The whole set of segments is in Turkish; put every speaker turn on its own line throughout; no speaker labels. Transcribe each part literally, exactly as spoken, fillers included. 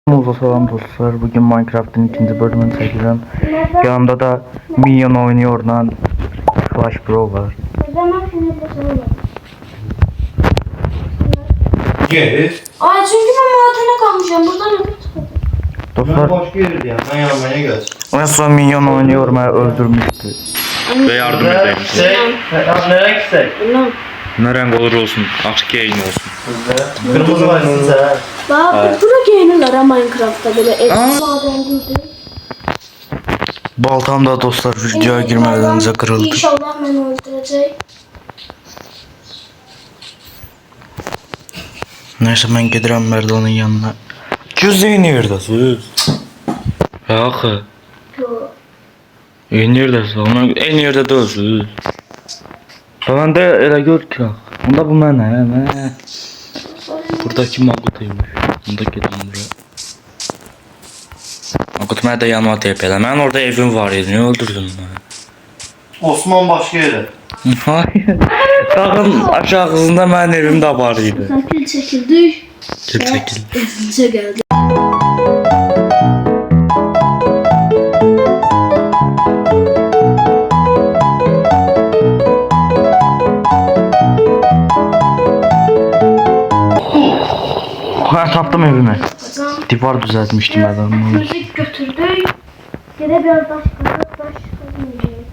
Merhaba selam dostlar. Bugün Minecraft'ın ikinci bölümünü çekeceğim. Yanımda da Minion oynuyor lan Flash Bro var.
Gel.
Ay çünkü ben madene kalmışım. Buradan öbür çıkacağım.
Ben
Dostlar
başka yerde ya. Ben yanmaya gelsin.
en son Minion oynuyor beni öldürmüştü.
Ve yardım edeyim.
Nereye gitsek?
Bilmem.
Ne renk olur olsun, açık yayın olsun.
Kırmızı var size.
Bak buna giyinirler ha Minecraft'ta böyle eski maden giydi.
Baltam da dostlar videoya girmeden önce kırıldı.
İnşallah beni öldürecek.
Neyse ben giderim Merdan'ın yanına. Cüzdeyi neredesin?
Yaxı.
Yo.
En neredesin? Ona en yerde değilsin.
Ben de elə gör ki. Onda bu mənə, hə.
Buradaki Magut'uymuş. Bunda gelin buraya. Magut mənə də yanıma teyp elə. Mənim orada evim var idi. Niye öldürdün beni?
Osman başka yere.
Hayır. Dağın aşağısında mənim evim də var idi.
Sakil çekildik.
Gel çekil.
Evimize geldik.
Ben tapdım evimi.
Kazan.
Divar düzeltmiştim
Biraz
adamı.
müzik götürdük. Yine biraz taş kazık taş kazmayacağız.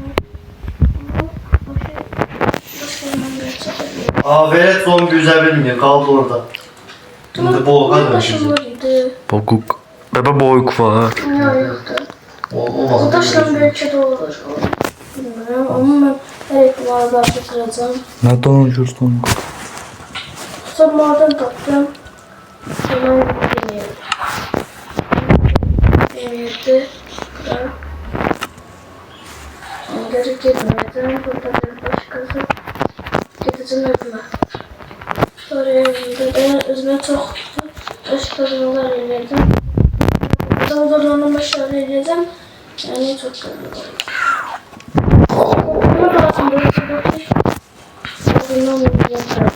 Aa velet zombi üze bilmiyor. Kaldı orada. Şimdi boğuka dönüşecek.
Bokuk. Bebe boyuk var.
Ne yoktu?
O,
O
olmaz.
taşla belki de olur. Bilmiyorum ama ben her ihtimalle kıracağım.
Ne donuşursun?
Sonra maden taptım. Sonra deneyelim. Deneyedi. Kırar. Geri gitmedim. Burada bir başkası. Gideceğim evime. Sonra evimde de özüme çok taş kazmalar yedim. Burada odalarını başarılı edeceğim. Yani çok kazmalar. Bunu da aslında bakayım. Bundan da yapacağım.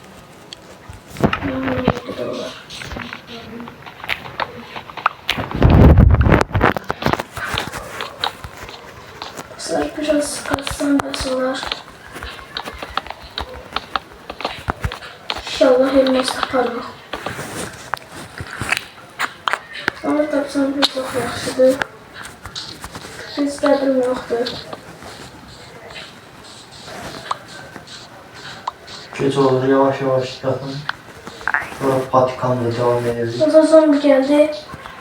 Biraz kassam basalar. İnşallah elmas taparım. Ama tapsam bir çok yaxşıdır. Hisslərim yoxdur.
Geç olur yavaş yavaş yapın. Sonra patikamla devam ederiz.
Burada zombi geldi.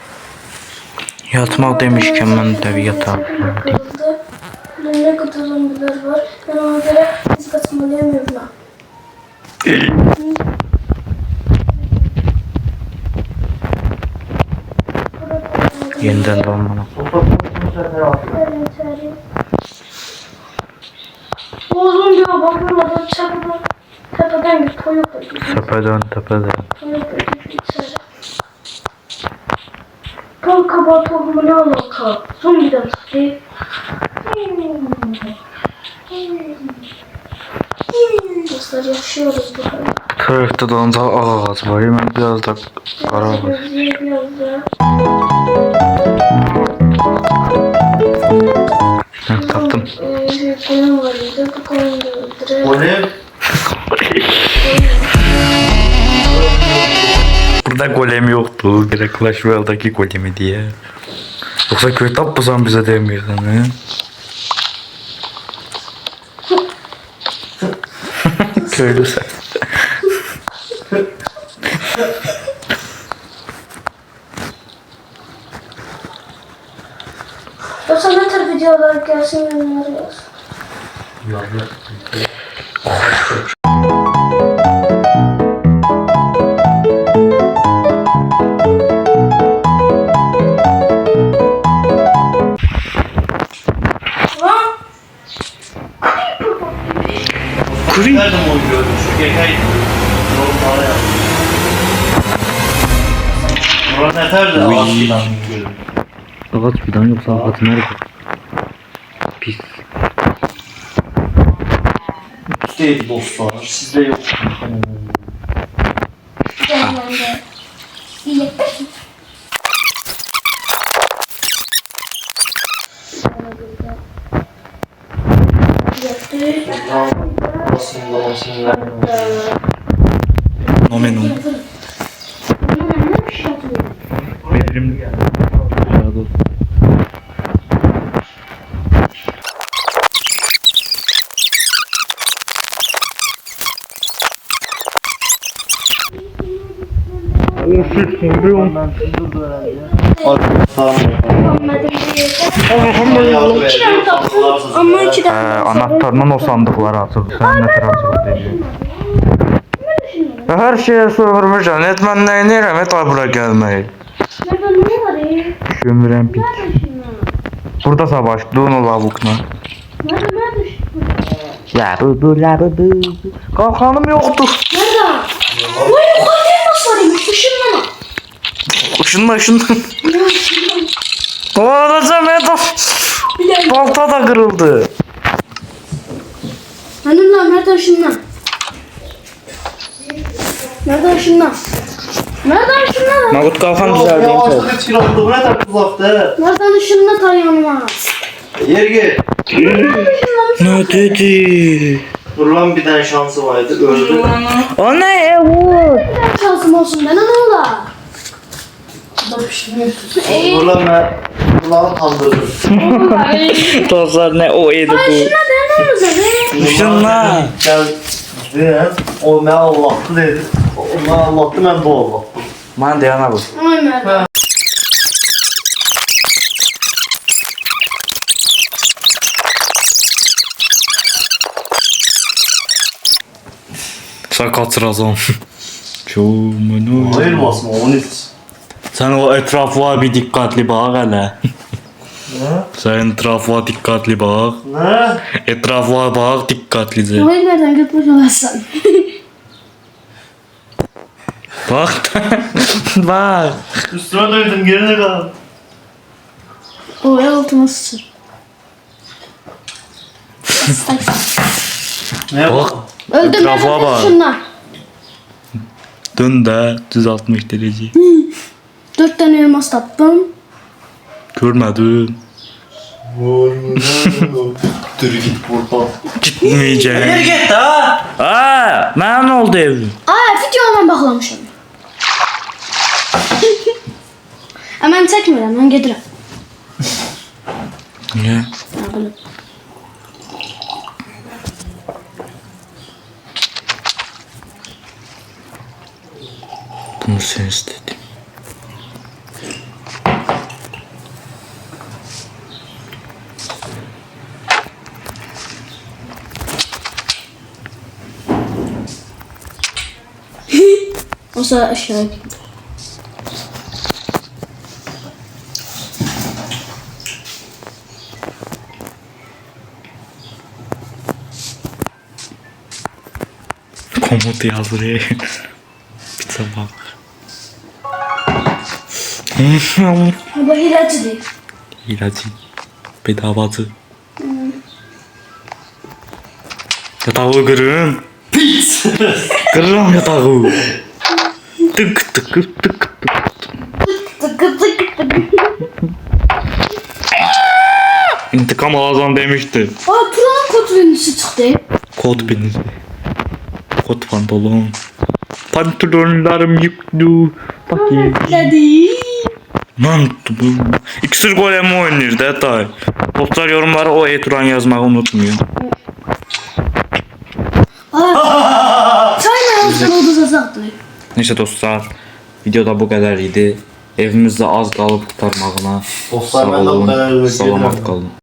Yatmak demişken ben de bir yatağım.
Kırıldı. Burada ne kadar zombiler var. Ben ona göre biz kaçmalıyım evime.
Yeniden dolmana.
Otokonun sefer atıyor.
Terim terim. O zombi ya bakmadan çabuk. Tepeden bir koyuk da gidiyor.
Tepeden tepeden.
Koyuk da gidiyor içeri. Kanka bal tohumu ne alaka? Zombiden çıktı. Dostlar yaşıyoruz bu kadar.
Bu tarafta da ancak ağaç var. Hemen biraz da kara var.
Gözlüğe biraz da.
Heh, taptım.
Ee, koyun var idi. Bu koyunu da öldürelim.
O ne?
Burada golem yoktu. Direkt Clash Royale'daki golemi diye. Yoksa köy tapmasan bize demiyorsun he? Köylü sen.
Dostlar ne tür videolar gelsin yorumlara yaz. Lan!
Kuri.
Nerede mi oynuyorum? Şu gekay. Yorumlara yap. Murat yeter de
Uy.
ağaçtan görüyorum.
Ağaç fidan yoksa ağaç nerede? Pis.
Üstteydi dostlar. Sizde yok.
Gel ben de. İyi.
Basında basında.
Nomen o. Bedrim geldi.
Ama iki
Ee,
de
anahtarının o sandıkları açıldı. Sen ne taraf açıldı dedi. Her şeye sormuşam. Etmen ne neyirəm? Et ay bura gelmeyi.
Nerede ne var ya?
Şömürəm pik.
Nerede şimdi?
Burada savaş. Dunu lavukla.
Nerede nerede şimdi?
Ya bu bu la bu bu. Kalkanım yoktur.
Nerede? Vay yukarıya nasıl arayayım? Işınlama.
Işınla ışınla.
Ya ışınlama.
Oğlum Edo.
Bir dakika.
Balta da kırıldı.
Benim lan nerede ışınlan? Nerede ışınlan? Nerede ışınlan?
Mahmut kalkan
Ya
düzeldi.
yavaşlık hiç kiraladı. Bu ne kadar uzakta?
Nereden ışınlan tar yanıma?
Yer gel.
Ne dedi?
Dur lan bir tane şansı vardı. Öldü.
O ne ya bu?
Bir şansım olsun bana ne ola?
Dur lan ben. Kulağını kandırdım.
Dostlar ne o yedi
Ay
bu?
şuna ben ne olacak be?
Işınla.
Gel. Ve o ne Allah'tı dedi. O ne Allah'tı ben bu Allah'tım.
Man deyana bu.
Ay Merve.
Sen kaçıracağım. Çoğumunu.
Hayır basma onu hiç.
Sen o etrafa bir dikkatli bak hele.
Ne?
Sen etrafa dikkatli bak.
Ne?
Etrafa bak dikkatlice.
Ay nereden götürmüş olasın?
Bak. Bak.
Üstüme dövdüm gerine kal.
O el altıma sıçır.
Ne
Bak.
bak?
Öldüm ben
Etrafa
nereden
bak.
ışınlan?
Dön de düz altmış derece.
Dört tane elmas tattım.
Görmedin.
Dur git buradan.
Gitmeyeceğim.
Geri git ha.
Aa, ben ne oldu evim?
Aa videoma bağlamışım. Hemen çekmirəm, mən gedirəm.
Niye?
Nə bilim.
Bunu sen istedin.
Olsa aşağı gidiyor.
Komut yazdı. Bir bak.
Bu hilecidir.
İlacı. Bedavacı. Yatağı kırın.
Pis.
Kırın yatağı. Tık tık tık tık.
Tıkı tıkı tıkı.
İntikam alacağım demişti.
Aa Turan'ın kod venüsü çıktı.
Kod beni. Kod pantolon. Pantolonlarım yüklü. Bakayım.
Dedi.
Lan bu. İksir golemi oynuyor detay. Dostlar yorumlara o e-turan yazmayı unutmayın.
Aa. Çayla yazsan o da zazaktı.
Neyse dostlar. Videoda bu kadar idi. Evimizde az kalıp kurtarmağına.
Dostlar,
sağ
ben de bu
olun,
kadar özür dilerim.
Salamat kalın.